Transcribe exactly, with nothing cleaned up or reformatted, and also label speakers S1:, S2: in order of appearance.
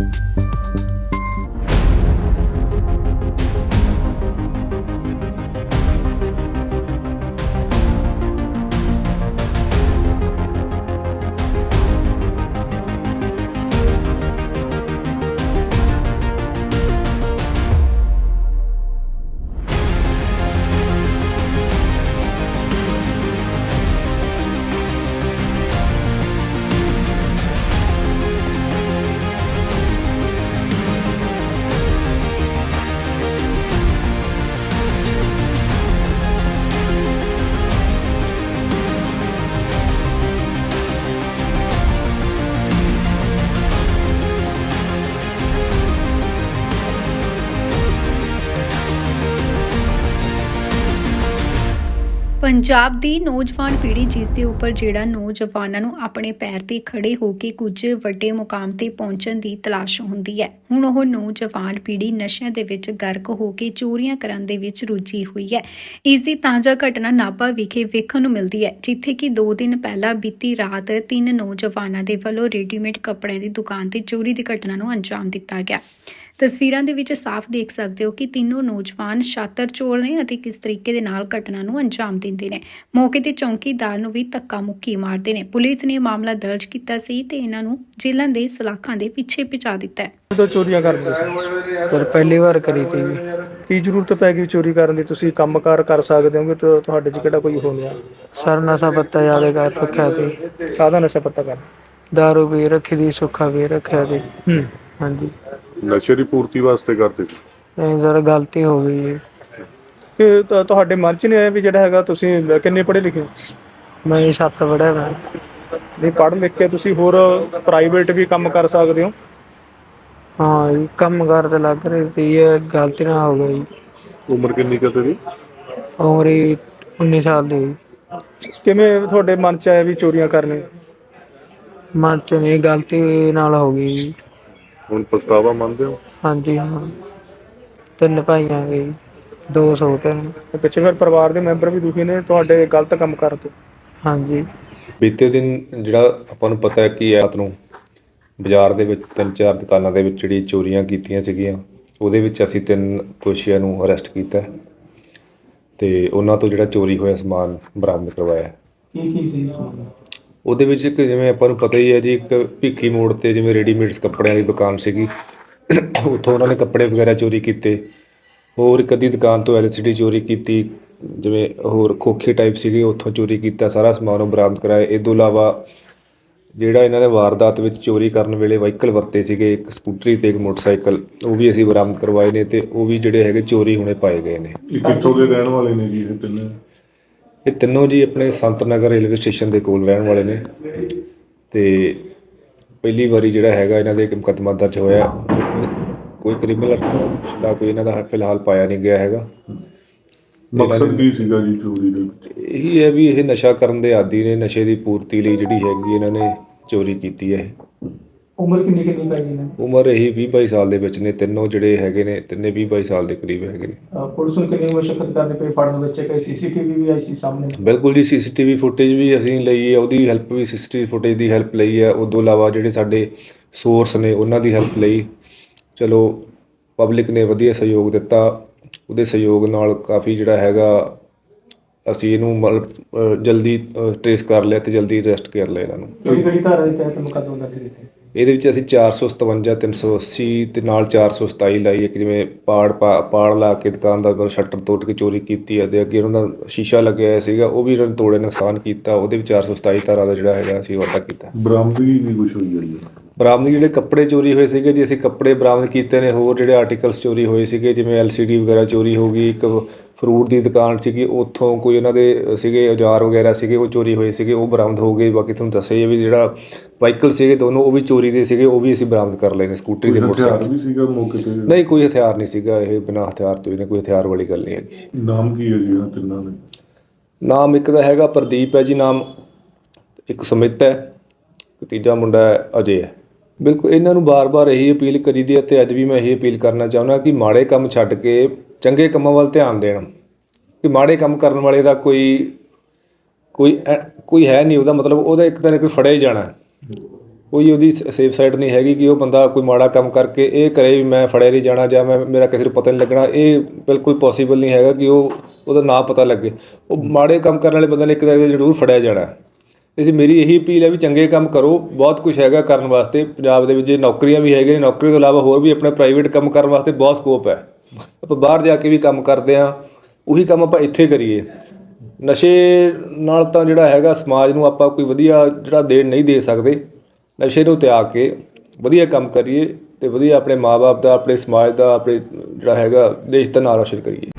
S1: ਪੰਜਾਬ ਦੀ ਨੌਜਵਾਨ ਪੀੜ੍ਹੀ ਜਿਸ ਦੇ ਉੱਪਰ ਜਿਹੜਾ ਨੌਜਵਾਨਾਂ ਨੂੰ ਆਪਣੇ ਪੈਰ ਤੇ ਖੜੇ ਹੋ ਕੇ ਕੁਝ ਵੱਡੇ ਮੁਕਾਮ ਤੇ ਪਹੁੰਚਣ ਦੀ ਤਲਾਸ਼ ਹੁੰਦੀ ਹੈ। ਹੁਣ ਉਹ ਨੌਜਵਾਨ ਪੀੜ੍ਹੀ ਨਸ਼ਿਆਂ ਦੇ ਵਿੱਚ ਗਰਕ ਹੋ ਕੇ ਚੋਰੀਆਂ ਕਰਨ ਦੇ ਵਿੱਚ ਰੁੱਝੀ ਹੋਈ ਹੈ। ਇਸ ਦੀ ਤਾਜ਼ਾ ਘਟਨਾ ਨਾਭਾ ਵਿਖੇ ਵੇਖਣ ਨੂੰ ਮਿਲਦੀ ਹੈ, ਜਿੱਥੇ ਕਿ ਦੋ ਦਿਨ ਪਹਿਲਾਂ ਬੀਤੀ ਰਾਤ ਤਿੰਨ ਨੌਜਵਾਨਾਂ ਦੇ ਵੱਲੋਂ ਰੈਡੀਮੇਡ ਕੱਪੜਿਆਂ ਦੀ ਦੁਕਾਨ ਤੇ ਚੋਰੀ ਦੀ ਘਟਨਾ ਨੂੰ ਅੰਜਾਮ ਦਿੱਤਾ ਗਿਆ। ਤਸਵੀਰਾਂ ਦੇ ਵਿੱਚ ਸਾਫ਼ ਦੇਖ ਸਕਦੇ ਹੋ ਕਿ ਤਿੰਨੋਂ ਨੌਜਵਾਨ ਛਾਤਰ ਚੋਰ ਨੇ ਅਤੇ ਕਿਸ ਤਰੀਕੇ ਦੇ ਨਾਲ ਘਟਨਾ ਨੂੰ ਅੰਜਾਮ ਦਿੰਦੇ ਨੇ। ਮੌਕੇ ਤੇ ਚੌਂਕੀਦਾਰ ਨੂੰ ਵੀ ਧੱਕਾ ਮੁੱਕੀ ਮਾਰਦੇ ਨੇ। ਪੁਲਿਸ ਨੇ ਮਾਮਲਾ ਦਰਜ ਕੀਤਾ ਸੀ ਤੇ ਇਹਨਾਂ ਨੂੰ ਜੇਲ੍ਹਾਂ ਦੇ ਸਲਾਖਾਂ ਦੇ ਪਿੱਛੇ ਪਹੁੰਚਾ ਦਿੱਤਾ ਹੈ।
S2: तो चोरियां करते ਸੀ
S3: ਪਰ ਪਹਿਲੀ ਵਾਰ ਕਰੀ ਤੀ ਜੀ।
S2: ਕੀ ਜ਼ਰੂਰਤ ਪੈ ਗਈ ਚੋਰੀ ਕਰਨ ਦੀ? ਤੁਸੀਂ ਕੰਮਕਾਰ ਕਰ ਸਕਦੇ ਹੋਗੇ ਤਾਂ ਤੁਹਾਡੇ 'ਚ ਕਿਹੜਾ ਕੋਈ ਹੋ ਗਿਆ?
S3: ਸਰ ਨਸ਼ਾ ਪੱਤਾ ਜ਼ਿਆਦਾ ਕਰ ਰੱਖਿਆ ਸੀ।
S2: ਕਾਹਦਾ ਨਸ਼ਾ ਪੱਤਾ ਕਰ?
S3: ਦਾਰੂ ਵੀ ਰੱਖੀ ਦੀ, ਸੁੱਖਾ ਵੀ ਰੱਖਿਆ ਸੀ।
S2: ਹੂੰ
S3: ਹਾਂਜੀ,
S4: ਨਸ਼ੇ ਦੀ ਪੂਰਤੀ ਵਾਸਤੇ ਕਰਦੇ ਸੀ।
S3: ਨਹੀਂ ਸਰ ਗਲਤੀ ਹੋ ਗਈ ਜੀ।
S2: ਕਿ ਤੁ- ਤੁਹਾਡੇ ਮਨ 'ਚ ਨਹੀਂ ਆਇਆ ਵੀ ਜਿਹੜਾ ਹੈਗਾ ਤੁਸੀਂ ਕਿੰਨੇ ਪੜ੍ਹੇ ਲਿਖੇ ਹੋ?
S3: ਮੈਂ ਜੀ ਸੱਤ ਪੜ੍ਹਿਆ ਮੈਂ।
S2: ਨਹੀਂ, ਪੜ੍ਹ ਲਿਖ ਕੇ ਤੁਸੀਂ ਹੋਰ ਪ੍ਰਾਈਵੇਟ ਵੀ ਕੰਮ ਕਰ ਸਕਦੇ ਹੋ।
S3: ਹਾਂ ਜੀ, ਕੰਮ ਕਾਰ ਤੇ ਲੱਗ ਰਹੀ ਸੀ, ਇਹ ਗਲਤੀ ਨਾਲ ਹੋ ਗਈ।
S4: ਉਮਰ ਕਿੰਨੀ ਕੁ ਤੇਰੀ?
S3: ਉਮਰ ਹੀ ਉੱਨੀ ਸਾਲ ਦੀ।
S2: ਕਿਵੇਂ ਤੁਹਾਡੇ ਮਨ 'ਚ ਆਇਆ ਵੀ ਚੋਰੀਆਂ ਕਰਨੇ?
S3: ਮਨ ਚ ਨਹੀਂ, ਗਲਤੀ ਨਾਲ ਹੋ ਗਈ ਜੀ।
S4: ਹੁਣ ਪਛਤਾਵਾ ਮੰਨਦੇ ਹੋ?
S3: ਹਾਂਜੀ ਹਾਂ, ਤਿੰਨ ਭਾਈਆਂ ਗਏ, ਦੋ ਛੋਟੇ ਨੇ।
S2: ਤੇ ਪਿੱਛੇ ਫਿਰ ਪਰਿਵਾਰ ਦੇ ਮੈਂਬਰ ਵੀ ਦੁਖੀ ਨੇ ਤੁਹਾਡੇ ਗਲਤ ਕੰਮ ਕਰਨ ਤੋਂ।
S3: ਹਾਂਜੀ,
S5: ਬੀਤੇ ਦਿਨ ਜਿਹੜਾ ਆਪਾਂ ਨੂੰ ਪਤਾ ਹੈ ਕਿ ਰਾਤ ਨੂੰ ਬਾਜ਼ਾਰ ਦੇ ਵਿੱਚ ਤਿੰਨ ਚਾਰ ਦੁਕਾਨਾਂ ਦੇ ਵਿੱਚ ਜਿਹੜੀ ਚੋਰੀਆਂ ਕੀਤੀਆਂ ਸੀਗੀਆਂ, ਉਹਦੇ ਵਿੱਚ ਅਸੀਂ ਤਿੰਨ ਦੋਸ਼ੀਆਂ ਨੂੰ ਅਰੈਸਟ ਕੀਤਾ ਤੇ ਉਹਨਾਂ ਤੋਂ ਜਿਹੜਾ ਚੋਰੀ ਹੋਇਆ ਸਮਾਨ ਬਰਾਮਦ ਕਰਵਾਇਆ।
S2: ਕੀ ਕੀ ਸੀ?
S5: ਉਹਦੇ ਵਿੱਚ ਇੱਕ ਜਿਵੇਂ ਆਪਾਂ ਨੂੰ ਪਤਾ ਹੀ ਹੈ ਜੀ, ਇੱਕ ਭਿੱਖੀ ਮੋੜ ਤੇ ਜਿਵੇਂ ਰੈਡੀਮੇਡਸ ਕੱਪੜਿਆਂ ਦੀ ਦੁਕਾਨ ਸੀਗੀ, ਉੱਥੋਂ ਉਹਨਾਂ ਨੇ ਕੱਪੜੇ ਵਗੈਰਾ ਚੋਰੀ ਕੀਤੇ। ਹੋਰ ਇੱਕ ਅੱਧੀ ਦੁਕਾਨ ਤੋਂ ਐਲ ਸੀ ਡੀ ਚੋਰੀ ਕੀਤੀ, ਜਿਵੇਂ ਹੋਰ ਖੋਖੇ ਟਾਈਪ ਸੀਗੇ, ਉੱਥੋਂ ਚੋਰੀ ਕੀਤਾ, ਸਾਰਾ ਸਮਾਨ ਉਹ ਬਰਾਮਦ ਕਰਾਇਆ। ਇਹ ਤੋਂ ਇਲਾਵਾ ਜਿਹੜਾ ਇਹਨਾਂ ਨੇ ਵਾਰਦਾਤ ਵਿੱਚ ਚੋਰੀ ਕਰਨ ਵੇਲੇ ਵਾਹੀਕਲ ਵਰਤੇ ਸੀਗੇ, ਇੱਕ ਸਕੂਟਰੀ ਤੇ ਇੱਕ ਮੋਟਰਸਾਈਕਲ, ਉਹ ਵੀ ਅਸੀਂ ਬਰਾਮਦ ਕਰਵਾਏ ਨੇ ਤੇ ਉਹ ਵੀ ਜਿਹੜੇ ਹੈਗੇ ਚੋਰੀ ਹੋਣੇ ਪਾਏ ਗਏ ਨੇ।
S4: ਇਹ ਕਿੱਥੋਂ ਦੇ ਰਹਿਣ ਵਾਲੇ ਨੇ ਜੀ ਇਹ ਤਿੰਨੇ?
S5: ਇਹ ਤਿੰਨੋਂ ਜੀ ਆਪਣੇ ਸੰਤ ਨਗਰ ਰੇਲਵੇ ਸਟੇਸ਼ਨ ਦੇ ਕੋਲ ਰਹਿਣ ਵਾਲੇ ਨੇ ਤੇ ਪਹਿਲੀ ਵਾਰੀ ਜਿਹੜਾ ਹੈਗਾ ਇਹਨਾਂ ਦੇ ਇੱਕ ਮੁਕੱਦਮਾ ਦਰਜ ਹੋਇਆ। ਕੋਈ ਕ੍ਰਿਮੀਨਲ ਦਾ ਕੋਈ ਇਹਨਾਂ ਦਾ ਫਿਲਹਾਲ ਪਾਇਆ ਨਹੀਂ ਗਿਆ ਹੈਗਾ।
S4: ਮਕਸਦ ਕੀ ਸੀਗਾ ਜੀ ਚੋਰੀ ਦੇ ਵਿੱਚ?
S5: ਇਹੀ ਹੈ ਵੀ ਇਹ ਨਸ਼ਾ ਕਰਨ ਦੇ ਆਦੀ ਨੇ, ਨਸ਼ੇ ਦੀ ਪੂਰਤੀ ਲਈ ਜਿਹੜੀ ਹੈਗੀ ਇਹਨਾਂ ਨੇ ਚੋਰੀ ਕੀਤੀ ਹੈ।
S2: ਉਮਰ ਕਿੰਨੀ ਕਿੰਨੀ ਪੈ ਗਈ ਨੇ?
S5: ਉਮਰ ਇਹੀ ਵੀਹ ਬਾਈ ਸਾਲ ਦੇ ਵਿੱਚ ਨੇ, ਤਿੰਨੋਂ ਜਿਹੜੇ ਹੈਗੇ ਨੇ ਤਿੰਨੇ ਵੀਹ ਬਾਈ ਸਾਲ ਦੇ ਕਰੀਬ ਹੈਗੇ ਨੇ।
S2: ਪੁਲਿਸ ਨੂੰ ਕਿੰਨੀ ਮੁਸ਼ਕਲ ਕਰਨੀ ਪਈ ਫੜਨ ਵਿੱਚ? ਕਿ ਸੀਸੀਟੀਵੀ ਵੀ ਆਈ ਸੀ ਸਾਹਮਣੇ?
S5: ਬਿਲਕੁਲ ਜੀ, ਸੀਸੀਟੀਵੀ ਫੁਟੇਜ ਵੀ ਅਸੀਂ ਲਈ ਹੈ, ਉਹਦੀ ਹੈਲਪ ਵੀ ਸੀਸੀਟੀਵੀ ਫੁਟੇਜ ਦੀ ਹੈਲਪ ਲਈ ਹੈ। ਉਸ ਤੋਂ ਇਲਾਵਾ ਜਿਹੜੇ ਸਾਡੇ ਸੋਰਸ ਨੇ ਉਹਨਾਂ ਦੀ ਹੈਲਪ ਲਈ। ਚਲੋ ਪਬਲਿਕ ਨੇ ਵਧੀਆ ਸਹਿਯੋਗ ਦਿੱਤਾ, ਉਹਦੇ ਸਹਿਯੋਗ ਨਾਲ ਕਾਫੀ ਜਿਹੜਾ ਹੈਗਾ ਅਸੀਂ ਇਹਨੂੰ ਮਤਲਬ ਜਲਦੀ ਟਰੇਸ ਕਰ ਲਿਆ ਤੇ ਜਲਦੀ ਅਰੈਸਟ ਕਰ ਲਿਆ ਇਹਨਾਂ ਨੂੰ।
S2: ਕਿਹੜੀ ਕਿਹੜੀ ਧਾਰਾ ਦੇ ਤਹਿਤ ਮੁਕੱਦਮਾ ਦਰਜ ਕੀਤਾ?
S5: ਇਹਦੇ ਵਿੱਚ ਅਸੀਂ ਚਾਰ ਸੌ ਸਤਵੰਜਾ, ਤਿੰਨ ਸੌ ਅੱਸੀ ਤੇ ਨਾਲ ਚਾਰ ਸੌ ਸਤਾਈ ਲਾਈ। ਇੱਕ ਜਿਵੇਂ ਪਾੜ ਪਾ ਪਾੜ ਲਾ ਕੇ ਦੁਕਾਨ ਦਾ ਸ਼ਟਰ ਤੋੜ ਕੇ ਚੋਰੀ ਕੀਤੀ ਹੈ ਤੇ ਅੱਗੇ ਉਹਨਾਂ ਦਾ ਸ਼ੀਸ਼ਾ ਲੱਗਿਆ ਹੋਇਆ ਸੀਗਾ, ਉਹ ਵੀ ਇਹਨਾਂ ਨੇ ਤੋੜੇ, ਨੁਕਸਾਨ ਕੀਤਾ। ਉਹਦੇ ਵਿੱਚ ਚਾਰ ਸੌ ਸਤਾਈ ਧਾਰਾ ਦਾ ਜਿਹੜਾ ਹੈਗਾ ਅਸੀਂ ਵਾਧਾ ਕੀਤਾ।
S4: ਬਰਾਮਦਗੀ ਵੀ ਕੁਛ ਹੋਈ ਹੈ ਜੀ?
S5: ਬਰਾਮਦ ਜਿਹੜੇ ਕੱਪੜੇ ਚੋਰੀ ਹੋਏ ਸੀਗੇ ਜੀ, ਅਸੀਂ ਕੱਪੜੇ ਬਰਾਮਦ ਕੀਤੇ ਨੇ। ਹੋਰ ਜਿਹੜੇ ਆਰਟੀਕਲਸ ਚੋਰੀ ਹੋਏ ਸੀਗੇ, ਜਿਵੇਂ ਐਲ ਸੀ ਡੀ ਵਗੈਰਾ ਚੋਰੀ ਹੋ ਗਈ। ਇੱਕ ਫਰੂਟ ਦੀ ਦੁਕਾਨ ਸੀਗੀ, ਉੱਥੋਂ ਕੋਈ ਉਹਨਾਂ ਦੇ ਸੀਗੇ ਔਜ਼ਾਰ ਵਗੈਰਾ ਸੀਗੇ, ਉਹ ਚੋਰੀ ਹੋਏ ਸੀਗੇ, ਉਹ ਬਰਾਮਦ ਹੋ ਗਏ। ਬਾਕੀ ਤੁਹਾਨੂੰ ਦੱਸਿਆ ਹੀ ਵੀ ਜਿਹੜਾ ਵਾਹੀਕਲ ਸੀਗੇ ਦੋਨੋਂ, ਉਹ ਵੀ ਚੋਰੀ ਦੇ ਸੀਗੇ, ਉਹ ਵੀ ਅਸੀਂ ਬਰਾਮਦ ਕਰ ਲਏ ਨੇ। ਸਕੂਟਰੀ ਦੇ ਮੋਟਰਸਾਈਕਲ
S4: ਵੀ ਸੀਗਾ ਮੌਕੇ ਤੇ?
S5: ਨਹੀਂ, ਕੋਈ ਹਥਿਆਰ ਨਹੀਂ ਸੀਗਾ। ਇਹ ਬਿਨਾਂ ਹਥਿਆਰ ਤੋਂ ਇਹਨੇ ਕੋਈ ਹਥਿਆਰ ਵਾਲੀ ਗੱਲ ਨਹੀਂ ਹੈਗੀ।
S4: ਨਾਮ ਕੀ ਹੈ ਜੀ ਇਹਨਾਂ ਤਿੰਨਾਂ ਦੇ?
S5: ਨਾਮ ਇੱਕ ਦਾ ਹੈਗਾ ਪ੍ਰਦੀਪ ਹੈ ਜੀ ਨਾਮ, ਇੱਕ ਸੁਮਿਤ ਹੈ, ਤੀਜਾ ਮੁੰਡਾ ਹੈ ਅਜੇ ਹੈ। ਬਿਲਕੁਲ ਇਹਨਾਂ ਨੂੰ ਬਾਰ-ਬਾਰ ਇਹੀ ਅਪੀਲ ਕਰੀ ਦੀ ਹੈ ਅਤੇ ਅੱਜ ਵੀ ਮੈਂ ਇਹੀ ਅਪੀਲ ਕਰਨਾ ਚਾਹੁੰਦਾ ਕਿ ਮਾੜੇ ਕੰਮ ਛੱਡ ਕੇ ਚੰਗੇ ਕੰਮਾਂ ਵੱਲ ਧਿਆਨ ਦੇਣ। ਕਿ ਮਾੜੇ ਕੰਮ ਕਰਨ ਵਾਲੇ ਦਾ ਕੋਈ ਕੋਈ ਕੋਈ ਹੈ ਨਹੀਂ, ਉਹਦਾ ਮਤਲਬ ਉਹਦਾ ਇੱਕ ਦਿਨ ਇੱਕ ਫੜਿਆ ਹੀ ਜਾਣਾ। ਕੋਈ ਉਹਦੀ ਸੇਫ ਸਾਈਡ ਨਹੀਂ ਹੈਗੀ ਕਿ ਉਹ ਬੰਦਾ ਕੋਈ ਮਾੜਾ ਕੰਮ ਕਰਕੇ ਇਹ ਕਰੇ ਵੀ ਮੈਂ ਫੜਿਆ ਨਹੀਂ ਜਾਣਾ ਜਾਂ ਮੈਂ ਮੇਰਾ ਕਿਸੇ ਨੂੰ ਪਤਾ ਨਹੀਂ ਲੱਗਣਾ। ਇਹ ਬਿਲਕੁਲ ਪੋਸੀਬਲ ਨਹੀਂ ਹੈਗਾ ਕਿ ਉਹ ਉਹਦਾ ਨਾਂ ਪਤਾ ਲੱਗੇ। ਉਹ ਮਾੜੇ ਕੰਮ ਕਰਨ ਵਾਲੇ ਬੰਦੇ ਨੇ ਇੱਕ ਦਿਨ ਜ਼ਰੂਰ ਫੜਿਆ ਜਾਣਾ। ਇਸ ਲਈ ਮੇਰੀ ਇਹੀ ਅਪੀਲ ਹੈ ਵੀ ਚੰਗੇ ਕੰਮ ਕਰੋ। ਬਹੁਤ ਕੁਛ ਹੈਗਾ ਕਰਨ ਵਾਸਤੇ ਪੰਜਾਬ ਦੇ ਵਿੱਚ, ਜੇ ਨੌਕਰੀਆਂ ਵੀ ਹੈਗੀਆਂ ਨੇ, ਨੌਕਰੀ ਤੋਂ ਇਲਾਵਾ ਹੋਰ ਵੀ ਆਪਣੇ ਪ੍ਰਾਈਵੇਟ ਕੰਮ ਕਰਨ ਵਾਸਤੇ ਬਹੁਤ ਸਕੋਪ ਹੈ। ਆਪਾਂ ਬਾਹਰ ਜਾ ਕੇ ਵੀ ਕੰਮ ਕਰਦੇ ਹਾਂ, ਉਹੀ ਕੰਮ ਆਪਾਂ ਇੱਥੇ ਕਰੀਏ। ਨਸ਼ੇ ਨਾਲ ਤਾਂ ਜਿਹੜਾ ਹੈਗਾ ਸਮਾਜ ਨੂੰ ਆਪਾਂ ਕੋਈ ਵਧੀਆ ਜਿਹੜਾ ਦੇਣ ਨਹੀਂ ਦੇ ਸਕਦੇ। ਨਸ਼ੇ ਨੂੰ ਤਿਆਗ ਕੇ ਵਧੀਆ ਕੰਮ ਕਰੀਏ ਅਤੇ ਵਧੀਆ ਆਪਣੇ ਮਾਂ ਬਾਪ ਦਾ, ਆਪਣੇ ਸਮਾਜ ਦਾ, ਆਪਣੇ ਜਿਹੜਾ ਹੈਗਾ ਦੇਸ਼ ਦਾ ਨਾਂ ਰੌਸ਼ਨ ਕਰੀਏ।